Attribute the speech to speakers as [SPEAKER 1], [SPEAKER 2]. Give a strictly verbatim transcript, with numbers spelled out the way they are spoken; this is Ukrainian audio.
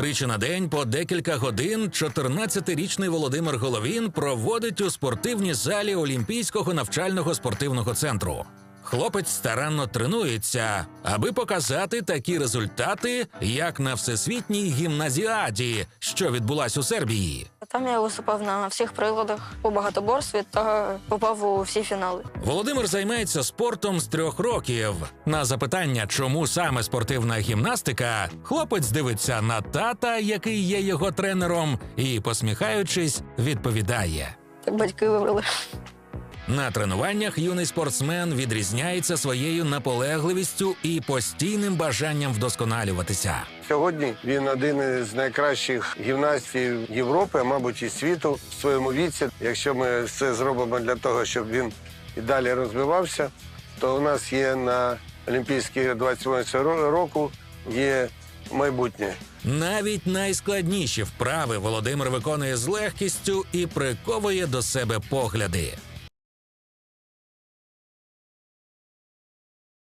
[SPEAKER 1] Тричі на день по декілька годин чотирнадцятирічний Володимир Головін проводить у спортивній залі Олімпійського навчального спортивного центру. Хлопець старанно тренується, аби показати такі результати, як на Всесвітній гімназіаді, що відбулась у Сербії.
[SPEAKER 2] Там я виступав на всіх приладах у багатоборстві та попав у всі фінали.
[SPEAKER 1] Володимир займається спортом з трьох років. На запитання, чому саме спортивна гімнастика, хлопець дивиться на тата, який є його тренером, і, посміхаючись, відповідає.
[SPEAKER 2] Так батьки вибрали.
[SPEAKER 1] На тренуваннях юний спортсмен відрізняється своєю наполегливістю і постійним бажанням вдосконалюватися.
[SPEAKER 3] Сьогодні він один із найкращих гімнастів Європи, а мабуть і світу в своєму віці. Якщо ми все зробимо для того, щоб він і далі розвивався, то у нас є на Олімпійських двадцять восьмого року є майбутнє.
[SPEAKER 1] Навіть найскладніші вправи Володимир виконує з легкістю і приковує до себе погляди.